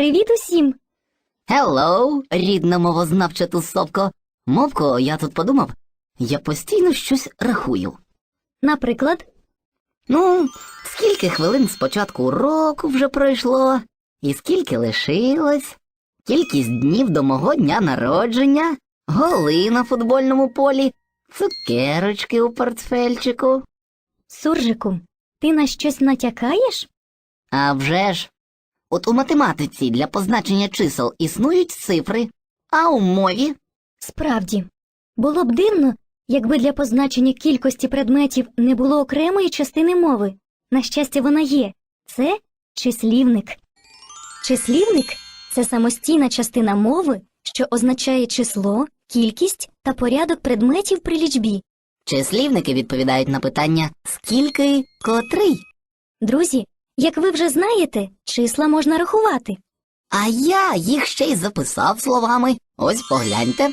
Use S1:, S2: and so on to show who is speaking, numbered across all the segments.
S1: Привіт усім!
S2: Hello, рідна мовознавча тусовко. Мовко, я тут подумав, я постійно щось рахую.
S1: Наприклад,
S2: Скільки хвилин з початку уроку вже пройшло, і скільки лишилось, кількість днів до мого дня народження, голи на футбольному полі, цукерочки у портфельчику.
S1: Суржику, ти на щось натякаєш?
S2: А вже ж, от у математиці для позначення чисел існують цифри, а у мові?
S1: Справді, було б дивно, якби для позначення кількості предметів не було окремої частини мови. На щастя, вона є. Це числівник. Числівник – це самостійна частина мови, що означає число, кількість та порядок предметів при лічбі.
S2: Числівники відповідають на питання «скільки», «котрий?».
S1: Друзі, як ви вже знаєте, числа можна рахувати.
S2: А я їх ще й записав словами. Ось погляньте.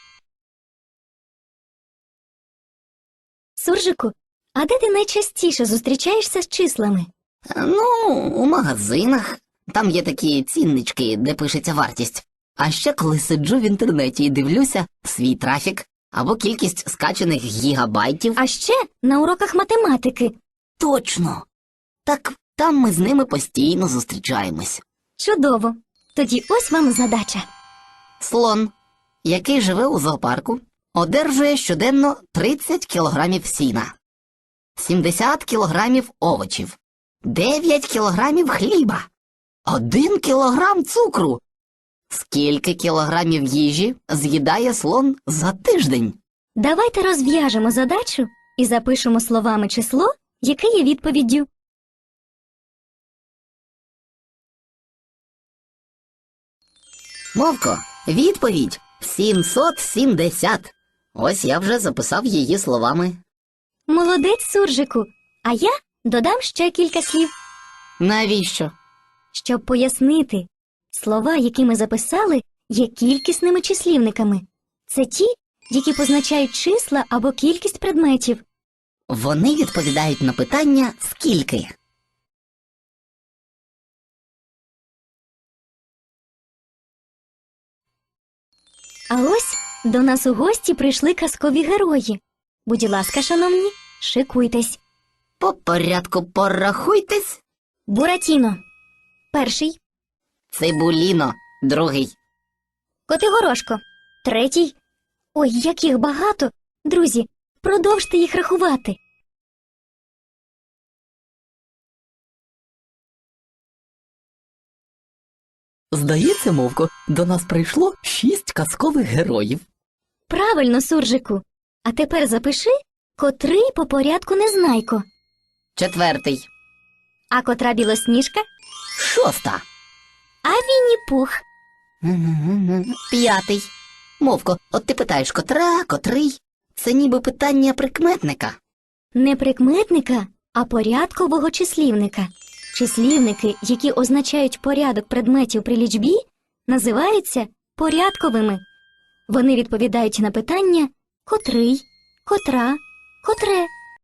S1: Суржику, а де ти найчастіше зустрічаєшся з числами?
S2: У магазинах. Там є такі ціннички, де пишеться вартість. А ще коли сиджу в інтернеті і дивлюся свій трафік або кількість скачаних гігабайтів.
S1: А ще на уроках математики.
S2: Точно! Так там ми з ними постійно зустрічаємось.
S1: Чудово. Тоді ось вам задача.
S2: Слон, який живе у зоопарку, одержує щоденно 30 кілограмів сіна, 70 кілограмів овочів, 9 кілограмів хліба, 1 кілограм цукру. Скільки кілограмів їжі з'їдає слон за тиждень?
S1: Давайте розв'яжемо задачу і запишемо словами число, яке є відповіддю.
S2: Мовко, відповідь 770. Ось я вже записав її словами.
S1: Молодець, Суржику. А я додам ще кілька слів.
S2: Навіщо?
S1: Щоб пояснити, слова, які ми записали, є кількісними числівниками. Це ті, які позначають числа або кількість предметів.
S2: Вони відповідають на питання «скільки?».
S1: А ось до нас у гості прийшли казкові герої. Будь ласка, шановні, шикуйтесь.
S2: По порядку порахуйтесь.
S1: Буратіно – перший.
S2: Цибуліно – другий.
S1: Котигорошко – третій. Ой, яких багато! Друзі, продовжте їх рахувати.
S2: Здається, Мовко, до нас прийшло 6 казкових героїв.
S1: Правильно, Суржику. А тепер запиши, котрий по порядку Незнайко.
S2: Четвертий.
S1: А котра Білосніжка?
S2: Шоста.
S1: А Вінні-Пух?
S2: П'ятий. Мовко, от ти питаєш, котра, котрий? Це ніби питання прикметника.
S1: Не прикметника, а порядкового числівника. Числівники, які означають порядок предметів при лічбі, називаються порядковими. Вони відповідають на питання котрий, котра, котре.